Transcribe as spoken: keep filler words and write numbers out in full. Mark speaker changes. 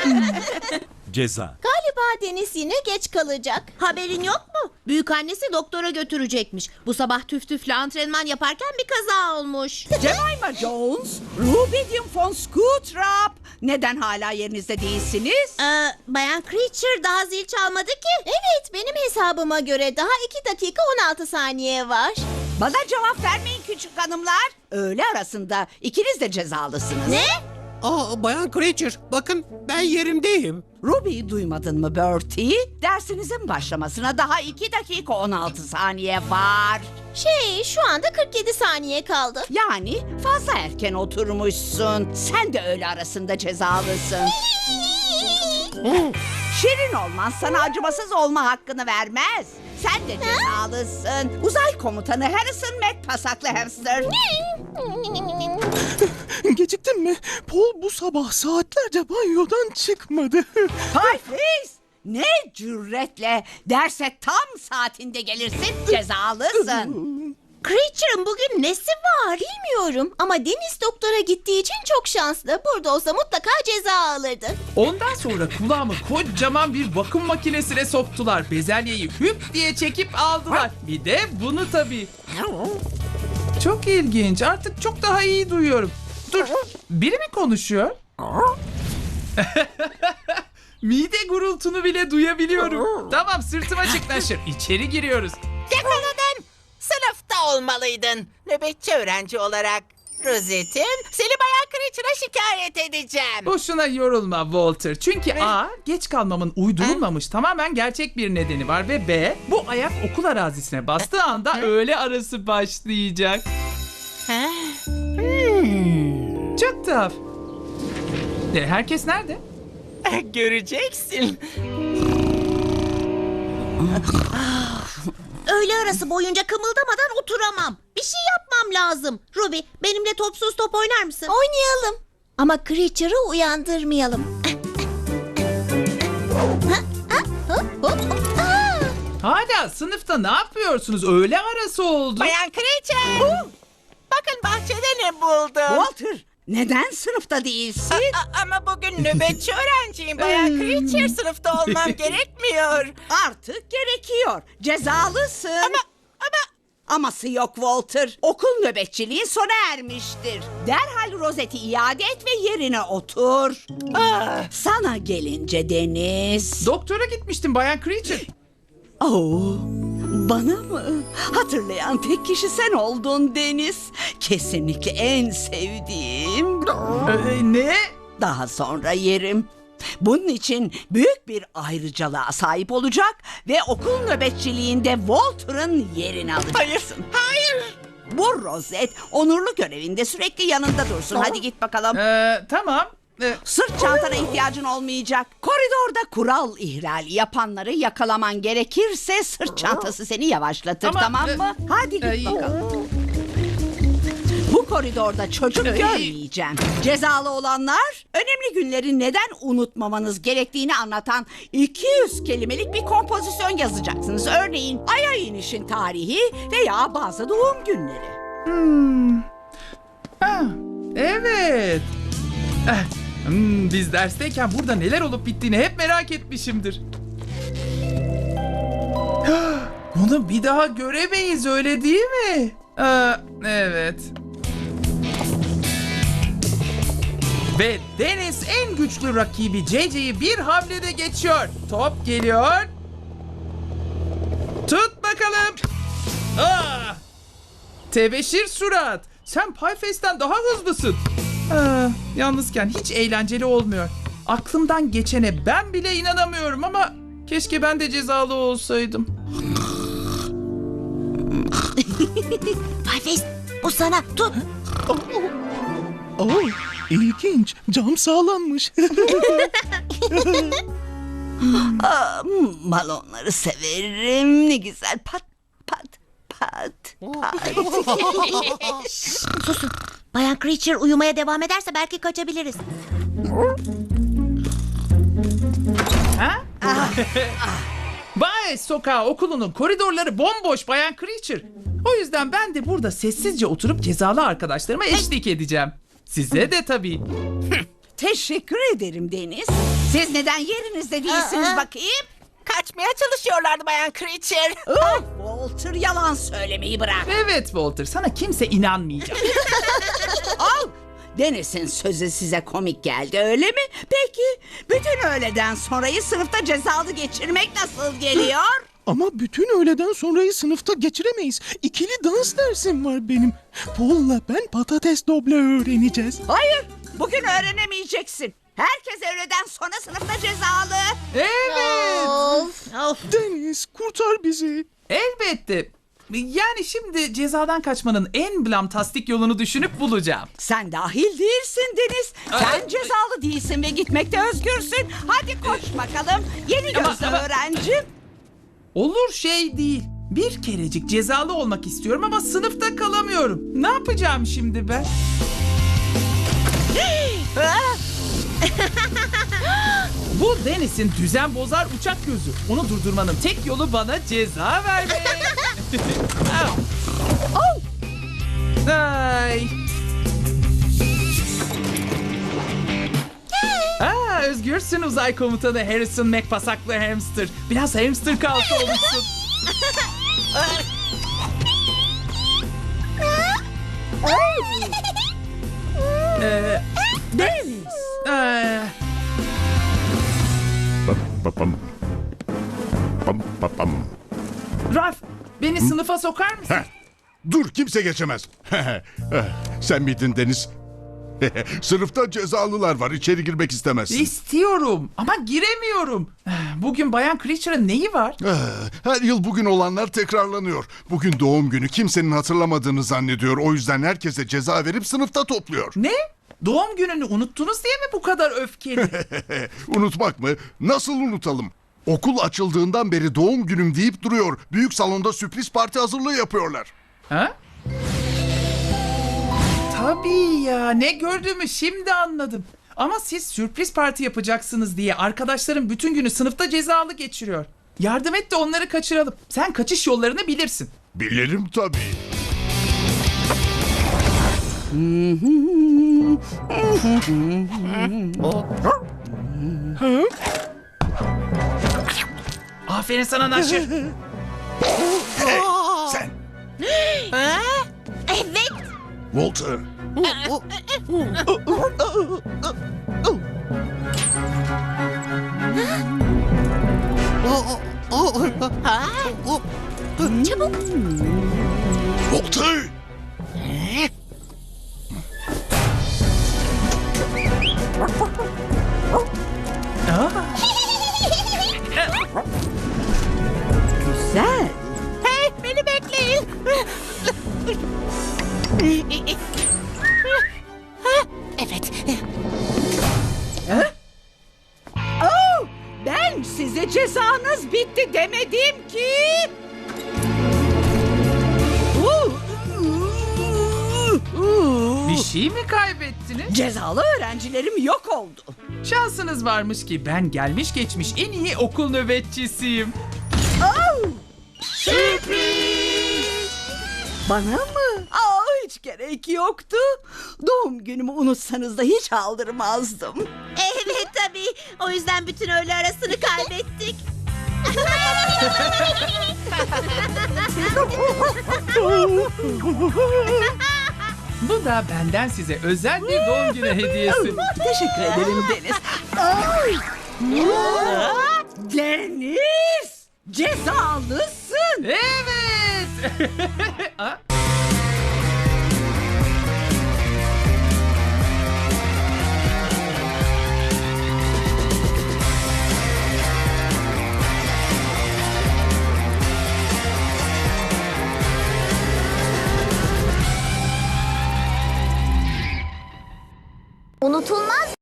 Speaker 1: Ceza.
Speaker 2: Galiba Deniz yine geç kalacak.
Speaker 3: Haberin yok mu? Büyükannesi doktora götürecekmiş. Bu sabah tüf tüfle antrenman yaparken bir kaza olmuş.
Speaker 4: Jemima Jones, Rubidium von Scootrap. Neden hala yerinizde değilsiniz?
Speaker 3: Ee, Bayan Creature daha zil çalmadı ki.
Speaker 2: Evet, benim hesabıma göre daha iki dakika on altı saniye var.
Speaker 4: Bana cevap vermeyin küçük hanımlar. Öğle arasında ikiniz de cezalısınız.
Speaker 3: Ne?
Speaker 5: Aa, Bayan Creature, bakın ben yerimdeyim.
Speaker 4: Ruby'yi duymadın mı Bertie? Dersinizin başlamasına daha iki dakika on altı saniye var.
Speaker 2: Şey, şu anda kırk yedi saniye kaldı.
Speaker 4: Yani fazla erken oturmuşsun. Sen de öğle arasında cezalısın. Şirin olman sana acımasız olma hakkını vermez. Sen de cezalısın. Uzay komutanı Harrison Mac pasaklı hamster.
Speaker 6: Geciktin mi? Paul bu sabah saatlerce banyodan çıkmadı.
Speaker 4: Pie Face! Ne cüretle derse tam saatinde gelirsin cezalısın.
Speaker 3: Creature'ın bugün nesi var?
Speaker 2: Bilmiyorum ama Deniz doktora gittiği için çok şanslı. Burada olsa mutlaka ceza alırdı.
Speaker 7: Ondan sonra kulağımı kocaman bir vakum makinesine soktular. Bezelyeyi hüp diye çekip aldılar. Bir de bunu tabii. Çok ilginç. Artık çok daha iyi duyuyorum. Dur. Biri mi konuşuyor? Mide gurultunu bile duyabiliyorum. Tamam, sırtıma çık Naşır. İçeri giriyoruz.
Speaker 8: Yakaladım. Sınıfta olmalıydın. Nöbetçi öğrenci olarak. Rozet'im, seni Bayan Creature'a şikayet edeceğim.
Speaker 7: Boşuna yorulma Walter. Çünkü A, geç kalmamın uydurulmamış tamamen gerçek bir nedeni var ve B, bu ayak okul arazisine bastığı anda öğle arası başlayacak. Çok tuhaf. E, herkes nerede?
Speaker 8: Göreceksin.
Speaker 3: Öğle arası boyunca kımıldamadan oturamam. Bir şey yapmam lazım. Ruby, benimle topsuz top oynar mısın?
Speaker 2: Oynayalım. Ama Creature'ı uyandırmayalım.
Speaker 7: Hala sınıfta ne yapıyorsunuz? Öğle arası oldu.
Speaker 8: Bayan Creature. Bakın bahçede ne buldum.
Speaker 4: Walter, neden sınıfta değilsin?
Speaker 8: A- ama bugün nöbetçi öğrenciyim Bayan Creature. Sınıfta olmam gerekmiyor.
Speaker 4: Artık gerekiyor. Cezalısın.
Speaker 8: Ama ama
Speaker 4: Aması yok Walter. Okul nöbetçiliği sona ermiştir. Derhal rozeti iade et ve yerine otur. Sana gelince Deniz.
Speaker 7: Doktora gitmiştim Bayan Creature.
Speaker 4: Oo, bana mı? Hatırlayan tek kişi sen oldun Deniz. Kesinlikle en sevdiğim.
Speaker 7: Ee, ne?
Speaker 4: Daha sonra yerim. Bunun için büyük bir ayrıcalığa sahip olacak ve okul nöbetçiliğinde Walter'ın yerini alacaksın.
Speaker 8: hayır.
Speaker 4: Bu rozet onurlu görevinde sürekli yanında dursun. Hadi git bakalım.
Speaker 7: Ee, tamam. Ee,
Speaker 4: Sırt çantana ihtiyacın olmayacak. Koridorda kural ihlali yapanları yakalaman gerekirse sırt çantası seni yavaşlatır,
Speaker 7: Ama,
Speaker 4: tamam
Speaker 7: e,
Speaker 4: mı? Hadi git
Speaker 7: e,
Speaker 4: bakalım. Bu koridorda çocuk
Speaker 7: e,
Speaker 4: görmeyeceğim. Cezalı olanlar önemli günleri neden unutmamanız gerektiğini anlatan iki yüz kelimelik bir kompozisyon yazacaksınız. Örneğin Ay'a inişin tarihi veya bazı doğum günleri.
Speaker 7: ha, evet. Eh, hmm, biz dersteyken burada neler olup bittiğini hep merak etmişimdir. Bunu bir daha göremeyiz, öyle değil mi? Ee, evet. Ve Deniz en güçlü rakibi C C'yi bir hamlede geçiyor. Top geliyor. Tut bakalım. Ah! Tebeşir surat. Sen Pieface'den daha hızlısın. Aa, yalnızken hiç eğlenceli olmuyor. Aklımdan geçene ben bile inanamıyorum ama keşke ben de cezalı olsaydım.
Speaker 3: Pieface, bu sana. Tut.
Speaker 6: Oo, ilginç. Cam sağlammış.
Speaker 4: Aa, balonları severim. Ne güzel pat pat pat pat.
Speaker 3: Susun. Bayan Creature uyumaya devam ederse belki kaçabiliriz.
Speaker 7: Ha? Bay Sokağı okulunun koridorları bomboş Bayan Creature. O yüzden ben de burada sessizce oturup cezalı arkadaşlarıma eşlik edeceğim. Size de tabii.
Speaker 4: teşekkür ederim Deniz. Siz neden yerinizde değilsiniz
Speaker 2: Aa.
Speaker 4: bakayım?
Speaker 8: Kaçmaya çalışıyorlardı Bayan Creature.
Speaker 4: Oh, Walter yalan söylemeyi bırak.
Speaker 7: Evet Walter, sana kimse inanmayacak.
Speaker 4: Al. Deniz'in sözü size komik geldi öyle mi? Peki bütün öğleden sonrayı sınıfta cezalı geçirmek nasıl geliyor?
Speaker 6: Ama bütün öğleden sonrayı sınıfta geçiremeyiz. İkili dans dersim var benim. Paul'la ben patates doble öğreneceğiz.
Speaker 4: Hayır, bugün öğrenemeyeceksin. Herkes öğleden sonra sınıfta cezalı.
Speaker 7: Evet,
Speaker 2: Of.
Speaker 3: Of.
Speaker 6: Deniz kurtar bizi.
Speaker 7: elbette. Yani şimdi cezadan kaçmanın en blamtastik yolunu düşünüp bulacağım.
Speaker 4: Sen dahil değilsin Deniz. Sen cezalı değilsin ve gitmekte özgürsün. Hadi koş bakalım. Yeni
Speaker 7: Ama-
Speaker 4: gözlü
Speaker 7: ama-
Speaker 4: öğrenci.
Speaker 7: Olur şey değil. Bir kerecik cezalı olmak istiyorum ama sınıfta kalamıyorum. Ne yapacağım şimdi ben? Bu Deniz'in düzen bozar uçak gözü. Onu durdurmanın tek yolu bana ceza vermek. Au. Ay. Aa, özgürsün uzay komutanı Harrison McPasaklı hamster. Biraz hamster kalktı olmuşsun. Ee,
Speaker 4: Deniz.
Speaker 7: ee,
Speaker 1: Pam pam pam pam.
Speaker 7: Ralph, beni sınıfa sokar mısın?
Speaker 1: Heh, dur kimse geçemez. Eh, Sen miydin Deniz? Sınıfta cezalılar var. İçeri girmek istemezsin.
Speaker 7: İstiyorum ama giremiyorum. Bugün Bayan Creature'ın neyi var?
Speaker 1: Eh, Her yıl bugün olanlar tekrarlanıyor. Bugün doğum günü, kimsenin hatırlamadığını zannediyor. O yüzden herkese ceza verip sınıfta topluyor.
Speaker 7: Ne? Doğum gününü unuttunuz diye mi bu kadar öfkeli?
Speaker 1: Unutmak mı? Nasıl unutalım? Okul açıldığından beri doğum günüm deyip duruyor. Büyük salonda sürpriz parti hazırlığı yapıyorlar.
Speaker 7: Ha? Tabii ya, ne gördüğümü şimdi anladım. Ama siz sürpriz parti yapacaksınız diye arkadaşlarım bütün günü sınıfta cezalı geçiriyor. Yardım et de onları kaçıralım. Sen kaçış yollarını bilirsin.
Speaker 1: Bilirim tabii.
Speaker 7: Aferin sana Naşır.
Speaker 1: Sen,
Speaker 2: Evet.
Speaker 1: Walter.
Speaker 2: Çabuk.
Speaker 1: Walter!
Speaker 4: Güzel.
Speaker 8: Hey, beni bekleyin. Evet.
Speaker 4: Oh, ben size cezanız bitti demedim ki. Uh, uh, uh.
Speaker 7: Bir şey mi kaybettiniz?
Speaker 4: Cezalı öğrencilerim yok oldu.
Speaker 7: Şansınız varmış ki ben gelmiş geçmiş en iyi okul nöbetçisiyim.
Speaker 4: Oh, sürpriz. Bana mı? Aa, hiç gerek yoktu. Doğum günümü unutsanız da hiç aldırmazdım.
Speaker 3: Evet tabii. O yüzden bütün öğle arasını kaybettik.
Speaker 7: Bu da benden size özel bir doğum günü hediyesi.
Speaker 4: Teşekkür ederim Deniz. Ay. Deniz! Cezalısın.
Speaker 7: Evet. Aa,